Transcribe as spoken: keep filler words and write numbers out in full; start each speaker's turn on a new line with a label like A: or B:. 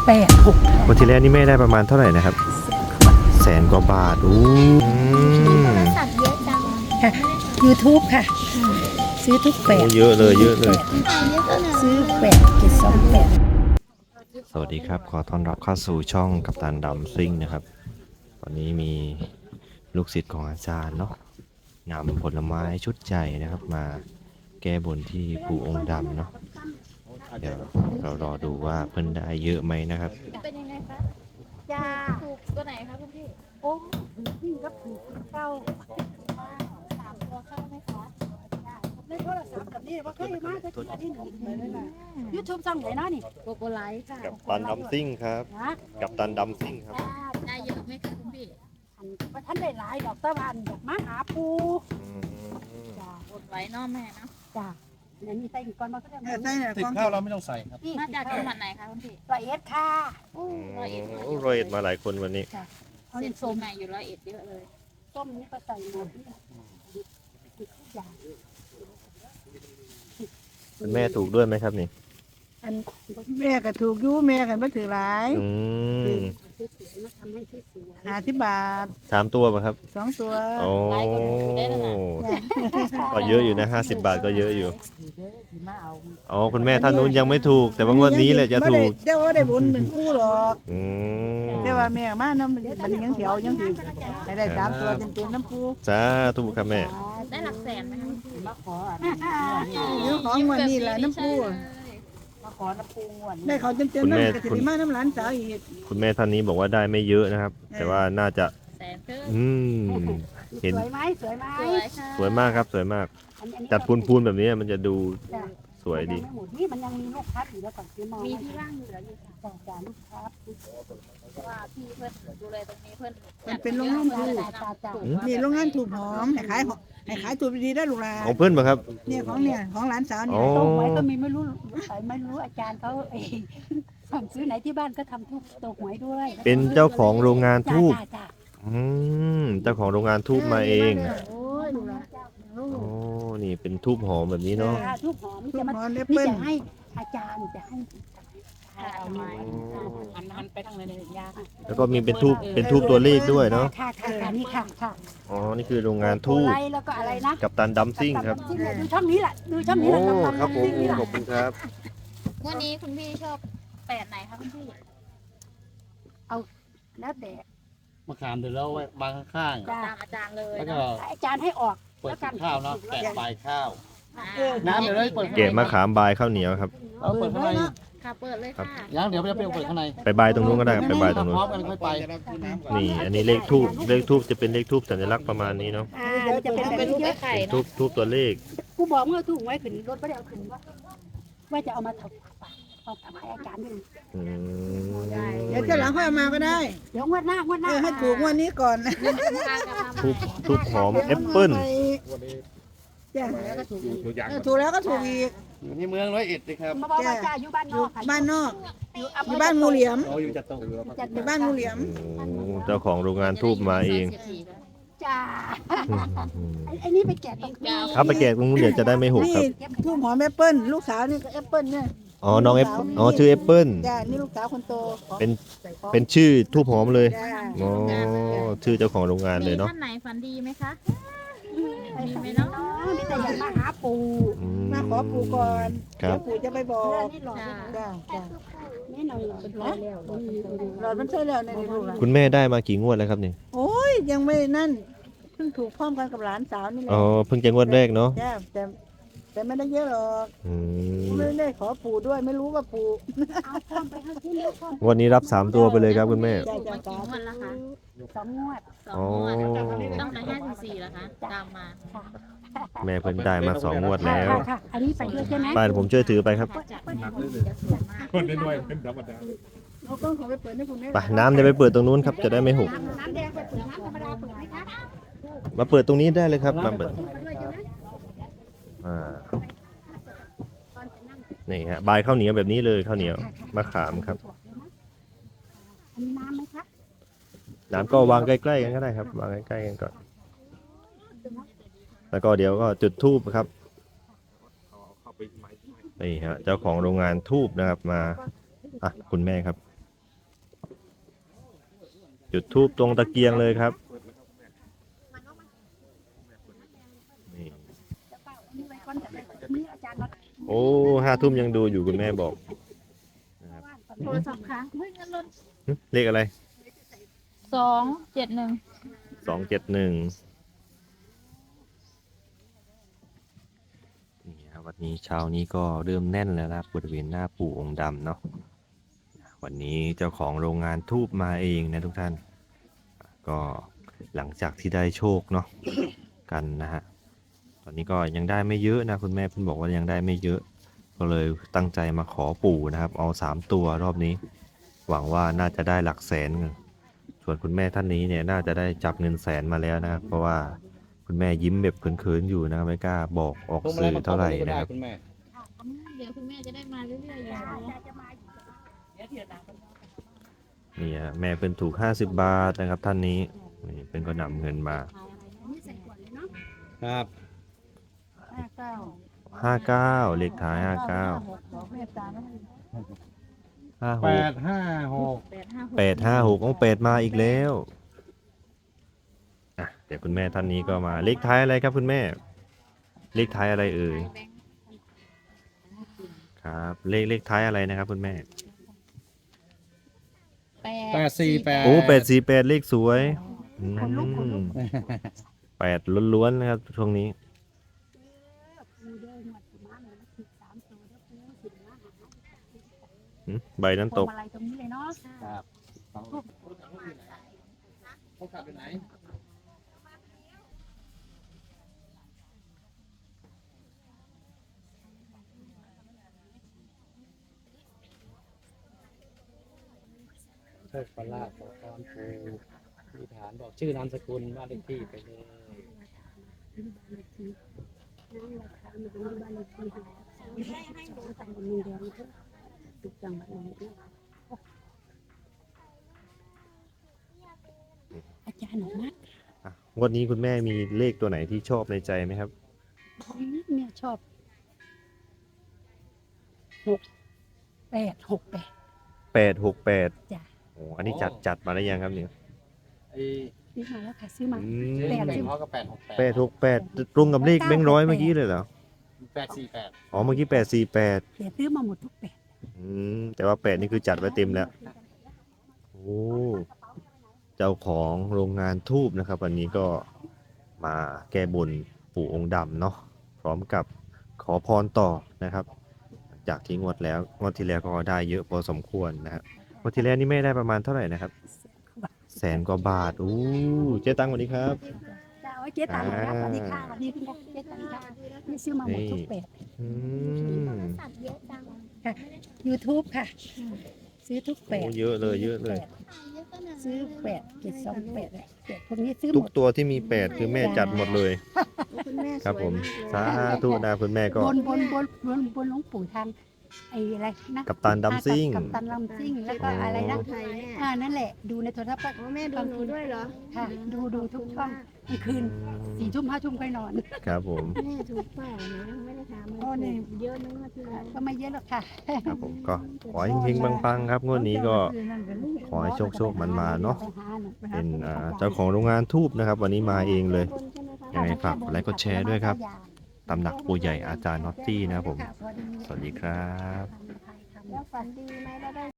A: แปดหก
B: วันที่แล้วนี่แม่ได้ประมาณเท่าไหร่นะครับแสนกว่าบาทอู้
C: โทรศัพท์เยอะจัง
A: ค่ะ YouTube ค่ะ ซื้อทุกแปด
B: เยอะเลยเยอะเลย
A: ซื้อแปดเจ็ดสองแปด
B: สวัสดีครับขอต้อนรับเข้าสู่ช่องกัปตันดำซิ่งนะครับวันนี้มีลูกศิษย์ของอาจารย์เนาะนำผลไม้ชุดใหญ่นะครับมาแก้บนที่ปู่องค์ดำเนาะเดี๋ยวเรารอดูว่าเพิ่นได้เยอะไหมนะครับ
C: เป็นยังไงคะยาถูกตัวไหนคะคุณพี่
A: โอ้นี่ก็ถูกเก้า
C: สามตัวเข้าไหมคะ
A: ในโทรศัพท์แบบนี้ว่าเคยมาจะที่ที่หนึ่งเลยนะยูทูบช่องไหนเนาะนี่
C: โกโกไลท์ค่ะ
B: กัปตันดำซิ่งครับ
A: นะ
B: กัปตันดำซิ่งครับ
C: ได้เยอะไหมคะคุณพี่
A: อันว่าท่านได้หลายดอกตะวันดอกมาหาปูจ้าก
C: ดไว้เนอกแม่เนาะ
A: จ้าเนี่ยมีใส่ก่อนมาก็ได้
D: ใส่ติดข้าวเราไม่ต้องใส่ครับ
C: มาจากจังหวัดไหนคะคุณพี่
A: ละเอียดค่ะ
C: ร้อยเอ็ด
B: โอ้ร้อยเอ็ดมาหลายคนวันนี้
A: เอา
C: เส้
A: เส้
C: น
A: น
C: ส้
A: ส้
C: ม
A: ม
C: ใหม่อยู่ร้อยเอ็ดเยอะเลย
A: ส้มนี่ก็ใส่หมดทุกอย่าง
B: คุณแม่ถูกด้วยไหมครับนี่
A: อัน
E: แม่ก็ถูกอยู่แม่กันไม่ถือหลาย
B: อืม
A: มาทำให้ที่สวย
E: หาที่บาท
B: สามตัวป่ะครับ
E: สองตัว
B: โอ้ก็เยอะอยู่นะห้าสิบบาทก็เยอะอยู่
A: มาเอา
B: อ๋อคุณแม่ท่านนู้นยังไม่ถูก แต่ว่างวดนี้แหละจะถูก
E: เจ้าว่าได้บุญหนึ่งคู่หรอก
B: อืม
E: แต่ว่าแม่มาน้ำมันยังเถียวยังถือให้ได้สามตัวเต็มๆน้ำปู
B: จ้าถูกครับแม่
C: ได้หลักแสนไหมคะ
A: มาขออัน
E: เรื่องของวันนี้แหละน้ำปู
A: มาขอน้ำปูงวน
E: ได้เขาเต็มๆน้ำกระถิ่นมาน้ำหลานสาวอีก
B: คุณแม่ท่านนี้บอกว่าได้ไม่เยอะนะครับ แต่ว่าน่าจะ
C: แสนครึ่ง
B: อืม เห็น
A: สวยไหมสวยไหม
C: สวยค่ะ
B: สวยมากครับสวยมาก
A: อันนี้
B: จัดพูนๆแบบนี้มันจะดูสวยดี
A: มันงไม่หมดนี่มันยังมีลูกพัดอยู่แล้วก่อนซื้อมา
C: มี
A: มี
C: ที่ว่างเหลืออยู่ค่ะ
A: จ่าจ่าลูกพัด
C: เพราะว่าพี่เพื่อนดูแลตรงนี้เพื่อน
E: มันเป็นโรงงานถูก
A: จ่าจ่า
E: นี่โรงงานถูกหอมให้ขายให้ขายถูกดีได้ลูกหลาน
B: ของเพื่อนป่ะครับ
E: เนี่ยของเนี่ยของหลานสาวเนี่
B: อ๋
E: ย
B: อ
A: ต้มไว้ก็มีไม่รู้ไม่รู้อาจารย์เขาเองสั่งซื้อไหนที่บ้านก็ทำทุกตัวหวยด้วย
B: เป็นเจ้าของโรงงาน
A: จ่า
B: ทูบ
A: จ่าจ่า
B: อืมเจ้าของโรงงานทูบมาเอง
A: โอ้ยดูละ
B: โอ้นี่เป็นทูบหอมแบบนี้เนาะ
A: จ่าทุกหอมนี่
E: ถู
A: จะ
E: ก
A: มา
E: หอมเล็บ
A: นี่
E: เปิ้ล
A: จะให้อาจารย์จะให้
C: เอาไม้
A: หันหันไปทางไหนเลยยา
B: แล้วก็มีเป็นทูบเป็นทูบตัวเลขด้วยเนาะ
A: ค่ะค่ะค่ะนี่ค่ะค่ะ
B: อ๋อนี่คือโรงงานทูบ
A: ไรแล้วก็อะไรนะ
B: กัปตันดัมซิ่งครับ
A: ดูช่องนี้แหละดูช่องนี้
B: โอ้
A: แหละกัปตัน
B: ครับผม
A: นี่แหละ
B: ขอบคุณครับ
C: วันนี้คุณพี่ชอบแปดไหนคะคุณพี่
A: แล้วแต่
D: มะขามเดี๋ยวเราไว้บางข้าง
A: จ้า
C: ตามอาจารย์เลย
D: ๆแล้วก็
C: เนาะ
A: อาจารย์ให้ออก
D: เปิดข้าวเนาะแกะปลายข้าว
C: อ่า
D: น้ำเดี๋ยวเราเปิด
B: เกะมะขามบายข้าวเหนียวครับ
D: เราเปิดข้างใน
C: ค่ะเปิดเลยค่ะ
D: ยังเดี๋ยวจะไปเปิดข้างใน
B: ไปบายตรงนู้นก็ได้ครับไปบายตรงนู้
D: พ
B: น
D: ร้อมกันค่อยไป
B: นี่ อันนี้เลขทูบเลขทูบจะเป็นเลขทูบสัญลักษณ์ประมาณนี้เนาะ
A: อ่าเดี๋ยวจะเป็น
C: เป็น
A: แบบ
C: รูป
A: นี้
C: ไอ้ไข่
B: เป็นทู
C: เนาะ
B: บทูบตัวเลข
A: กูบอกเมื่อถูกไว้ขึ้นรถไม่ได้เอาขึ้นว่าว่าจะเอามาถวายเอาถวายอาจารย์ด้วย
B: อืม
E: เดี๋ยวเจ้าหลังค่อยเอามาก็ได้
A: เดี๋ยวงวดหน้างวดห
E: เอ
A: น้า
E: อให้ถูกงวันนี้ก่อนนะ
B: ทูบทูบหอมแอปเปิ้ล
E: จ้ะเออถูกแล้วก็ถูกอีก
D: อยู่ที่เมืองร้อยเอ็ดเลยครับ
A: มาบอกว่าจ้าอยู่บ้านนอกค่ะ
E: บ้านนอก
A: อยู่
E: อยู่บ้านงูเหลี่ยม
D: เราอยู่จัดโต๊ะอยู่แล้ว
A: จัด
E: อยู่บ้านงูเหลี่ยม
B: โอ้เจ้าของโรงงานทูบมาเอง
A: จ้าไอ้นี่ไปแกะตรงนี้
B: เอาไปแกะตรงนู้นเดี๋ยวจะได้ไม่หกค
E: นี่
B: รับ
E: ทูบหอมแอปเปิ้ลลูกสาวนี่ก็แอปเปิ้ลเนี่ย
B: อ๋อ น้องแอปอ๋อ ชื่อแอปเปิ้ล
E: จ้ะนี่ลูกสาวคนโตของ
B: เป็น เป็นชื่อทูบหอมเลย
E: จ้ะ
B: อ๋อ ชื่อเจ้าของโรงงานเลยเนาะ
C: ท่านไหนฝันดีไหมคะ มีไหมเนาะ
A: นี่แต่อยากมาหาปู่
B: อื
E: มาขอปู่ก่อน
B: ครั
E: เดี๋ย
B: บ
E: วปู่จะไปบอก
A: นี่หล่อ
E: จ้ะจ้ะ
A: นี่หน่อยหล่อเป็นร้อยแล้ว
E: หลอดมันใช่แล้วในลูกหลาน
B: คุณแม่ได้มากี่งวดแล้วครับนี่
E: โอ้ยยังไม่นั่นเพิ่งถูกพร้อมกันกับหลานสาวนี่แหละ
B: อ๋อ เพิ่งจะงวดแรกเนาะ
E: จ้ะแต่แต่ไม่ได้เยอะหรอก
B: อืม
E: ไม่ได้ขอปู่ด้วยไม่รู้ว่าปู่
A: เอาพร้อมไปให้ที่นี่พร้อม
B: งวันนี้รับสามตัวไปเลยครับคุณแม่
E: จ้ะ
C: ถูก
E: จ้ะ
C: มา
E: จ้ะ
C: กี่งวดแล้วคะ
A: สองงวด
C: สองงวดตั้งแต่ห้าถึงสี่แล้วคะ ตามมา
B: แม่เพิ่นได้มาสองงวดแล้ว
A: ค่ะค่ะอันนี้ไปด้วยใช่ไหม
B: ไปเดี๋ยวผมช่วยถือไปครับ
C: ถ้าจะมีคนจะสวยมาก
F: คนน้อยๆเป็นธรรมดา
E: เราต้องขอไปเปิดให้คุณแม่
B: ไปน้ำจะไปเปิดตรงนู้นครับ จะได้ไม่หก
A: น้ำแดงไปเปิดน้ำธรรมดาเปิดไหมคะ
B: มาเปิดตรงนี้ได้เลยครับ มาเปิด อ่า นี่ฮะ บายข้าวเหนียวแบบนี้เลยข้าวเหนียว มะขามครับ
A: อันนี้น้ำไหมคะ
B: น้ำก็วางใกล้ๆกันก็ได้ครับ วางใกล้ๆกันก่อน แล้วก็เดี๋ยวก็จุดธูปครับ นี่ฮะ เจ้าของโรงงานธูปนะครับมา อ่ะ คุณแม่ครับจุดทูบตรงตะเกียงเลยครับนี่
A: แล้วก็อันนี้ไว้ก่อนจะได้นี่อาจารย์มา
B: โอ้ห้าทุ่มยังดูอยู่คุณแม่บอกนะครับ
C: โทรศัพท์ค้างเฮ้ยเงินลด
B: หึเลขอะไร
C: สองเจ็ดหนึ่ง
B: สองเจ็ดหนึ่งนี่ครับวันนี้เช้านี้ก็เริ่มแน่นแล้วนะครับบริเวณหน้าปู่องค์ดำเนาะวันนี้เจ้าของโรงงานทูบมาเองนะทุกท่าน ก็หลังจากที่ได้โชคเนาะกันนะฮะตอนนี้ก็ยังได้ไม่เยอะนะคุณแม่เพิ่งบอกว่ายังได้ไม่เยอะ ก็เลยตั้งใจมาขอปู่นะครับ เอาสามตัวรอบนี้ หวังว่าน่าจะได้หลักแสนเงินส่วนคุณแม่ท่านนี้เนี่ยน่าจะได้จับเงินแสนมาแล้วนะครับเพราะว่าคุณแม่ยิ้มแบบเขินๆอยู่นะครับไม่กล้าบอกออกสื่อเท่าไหร่นะครับ
D: คุณแม่
C: เดี๋ยวคุณแม่จะได้มาเรื่อยๆอย่างนี้
B: นี่ฮะแม่เป็นถูกห้าสิบบาทนะครับท่านนี้นี่เป็นก็นำเงินมา
A: นี่ใส่ขวดเลยเนาะ
D: ครับ
E: ห้าเก้า
B: ห้าเก้าเลขท้ายห้าเก้า
E: หกบอกแม่ตาไม่
B: ห้าห
D: แป
B: ก
D: ดห้าหก
C: แปดห้าหก
B: แปดห้าหกต้องแปดมาอีกแล้วอ่ะเดี๋ยวคุณแม่ท่านนี้ก็มาเลขท้ายอะไรครับคุณแม่ เลขท้ายอะไรเอ่ยครับเลขเลขท้ายอะไรนะครับคุณแม่
C: แป
D: แป
C: ด
D: ดสี่แปด
B: โอ้แปดสี่แปดเลขสวยอืมแปดล้วนๆนะครับช่วงนี้
A: ปูเด้งหมดมาเลยสิบสามตัวแล้วปูสิบห้า
B: หืมใบนั้น
A: พ
B: ต
A: วง
B: ก
A: มาลัยตรงนี้เลยเนาะ
D: ครับเขาขับไปไหน
F: โชคประลาภขอพรปูมีฐานบอกชื่อนามสกุลบ้านเลขที่ไปเลย
A: อาจารย์หนูมัด
B: อ่ะงวันนี้คุณแม่มีเลขตัวไหนที่ชอบในใจไหมครับ
A: เนี่ยชอบหกแปดหกแปด
B: แปดหกแปด
A: จ้ะ
B: โอ้อันนี้จัดจัดมาได้ยังครับเนี่ย
D: ไอ้
A: ซื้อมาแล้วค่ะซื้อมา
B: อื
D: เจ๊
B: ม
D: แบ่งเขาก็แปดหกแปด
B: แปดหกแปดตรงกับเลขแบงค์ร้อยเมื่อกี้เลยเหรอ
D: แปดสี่แปด
B: อ๋อเมื่อกี้แปดสี่แปด
A: เดี๋ยวซื้อมาหมดทุกแปด
B: อืมแต่ว่าแปดนี่คือจัดไว้เต็มแล้วโอ้เจ้าของโรงงานทูบนะครับ วันนี้ก็มาแก้บนปู่องค์ดำเนาะพร้อมกับขอพรต่อนะครับ จากที่งวดแล้วงวดที่แล้วก็ได้เยอะพอสมควรนะครับงวดที่แล้วนี่ไม่ได้ประมาณเท่าไหร่นะครับแสนกว่าบาทอู้เจ๊ตังสวัสดีครับ
A: จ้าโอ้ยเจ๊ตังค์ครับสวัสดีค่ะสวัสดีคุณเจ๊ตังค์ค่ะนี่ซื้อมาหมดทุกแปด
B: อืม
A: ค่ะ YouTube ค่ะ ซื้อทุกแปด
B: โอ้เยอะเลยเยอะเลย
A: ซื้อแปดเจ็ดสองแปดเลยแปดพวกนี้ซื้อห
B: ทุ
A: ม
B: ก
A: ด
B: ตัวที่มีแปดคือแม่จัดหมดเลย ครับผมสาธุนะคุณแม่ก็
A: บนบนบนบนบนหลวงปู่ทางไอ้อะไรนะ
B: กัปตันดัมซิ่ง
A: กับตันดัมซิ่งแล้วก็อะไรนะ
G: ไทยแม่
A: อ่านั่นแหละดูในโทรทัศน์
G: อ๋อแม่ดูหนูด้วยเหรอ
A: ค่ะ ดูดูทุกช่องกลางคืนสี่ทุ่มห้าทุ่มค่อยนอน
B: ครับผม
G: แม่ถูกเปล่านะไม่ได้ถาม
A: โอ้นี่
G: เยอะนึกว่าที่แล้ว
A: ก็ไม่เยอะหรอกค่ะ
B: ครับผมก็ขอให้เฮงๆปังๆครับงวดนี้ก็ขอให้โชคโชคมันมาเนาะเป็นอ่าเจ้าของโรงงานทูบนะครับ วันนี้มาเองเลย ยังไงฝากกดไลค์กดแชร์ด้วยครับ ตำหนักปู่ใหญ่อาจารย์น็อตตี้นะครับผม สวัสดีครับ
G: แล้วฝันดีไหมแล้วได้